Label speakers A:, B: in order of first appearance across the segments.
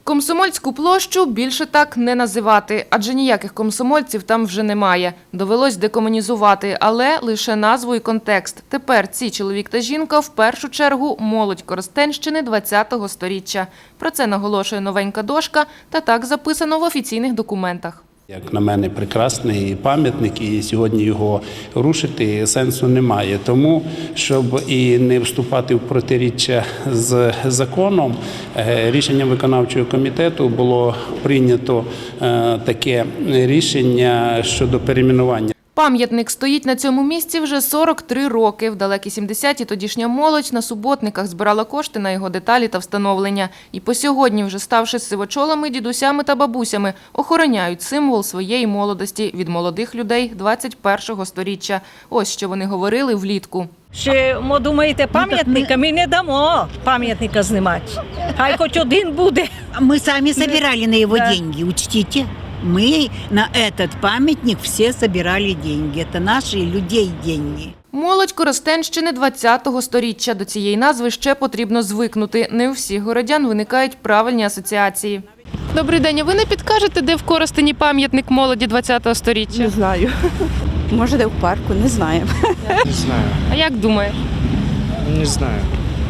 A: Комсомольську площу більше так не називати, адже ніяких комсомольців там вже немає. Довелось декомунізувати, але лише назву і контекст. Тепер ці чоловік та жінка в першу чергу молодь Коростенщини ХХ століття. Про це наголошує новенька дошка, та так записано в офіційних документах.
B: Як на мене, прекрасний пам'ятник, і сьогодні його рушити сенсу немає. Тому, щоб і не вступати в протиріччя з законом, рішенням виконавчого комітету було прийнято таке рішення щодо перейменування.
A: Пам'ятник стоїть на цьому місці вже 43 роки. В далекі 70-ті тодішня молодь на суботниках збирала кошти на його деталі та встановлення. І по сьогодні, вже ставши сивочолами, дідусями та бабусями, охороняють символ своєї молодості від молодих людей 21-го сторіччя. Ось що вони говорили влітку.
C: Ще, думаєте, пам'ятника? Ми не дамо пам'ятника знімати. Хай хоч один буде.
D: Мы сами собирали на его деньги, учтите. Мы на этот памятник все собирали деньги. Это наши людей деньги.
A: Молодь Коростенщини ХХ століття. До цієї назви ще потрібно звикнути. Не у всіх городян виникають правильні асоціації. Добрий день, а ви не підкажете, де в Коростені пам'ятник молоді ХХ століття?
E: Не знаю. Може, де в парку, не знаємо.
F: Не знаю.
A: А як думає?
F: Не знаю.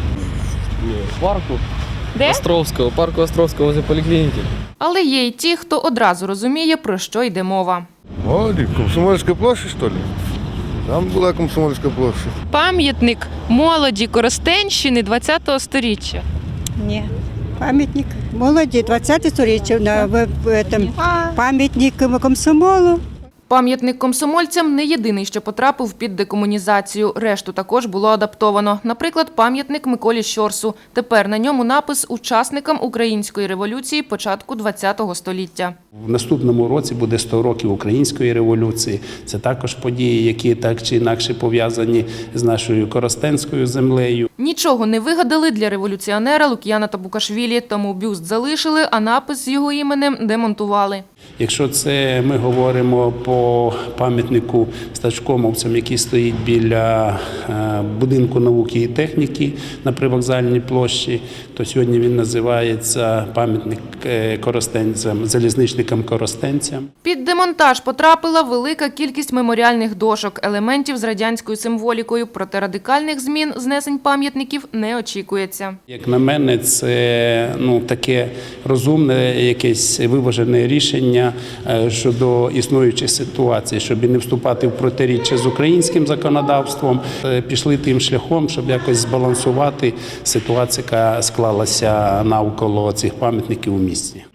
F: В парку
A: Де?
F: Островского, парку Островского возле поликлиники.
A: Але є й ті, хто одразу розуміє, про що йде мова.
G: Молоді, Комсомольська площа, що ли? Там була Комсомольська площа.
A: Пам'ятник молоді Коростенщини ХХ століття.
H: Ні. Пам'ятник молоді 20 століття, пам'ятник комсомолу.
A: Пам'ятник комсомольцям не єдиний, що потрапив під декомунізацію. Решту також було адаптовано. Наприклад, пам'ятник Миколі Щорсу. Тепер на ньому напис «Учасникам Української революції початку ХХ століття».
B: В наступному році буде 100 років Української революції. Це також події, які так чи інакше пов'язані з нашою коростенською землею.
A: Нічого не вигадали для революціонера Лук'яна Табукашвілі, тому бюст залишили, а напис з його іменем демонтували.
B: Якщо це ми говоримо по пам'ятнику стачкомовцям, який стоїть біля будинку науки і техніки на Привокзальній площі, то сьогодні він називається пам'ятник коростенцям, залізничникам-коростенцям.
A: Під демонтаж потрапила велика кількість меморіальних дошок, елементів з радянською символікою, проте радикальних змін знесень пам'ятників не очікується.
B: Як на мене, це таке розумне, якесь виважене рішення щодо існуючих ситуацій, щоб не вступати в протиріччя з українським законодавством. Пішли тим шляхом, щоб якось збалансувати ситуацію, яка склалася навколо цих пам'ятників у місті.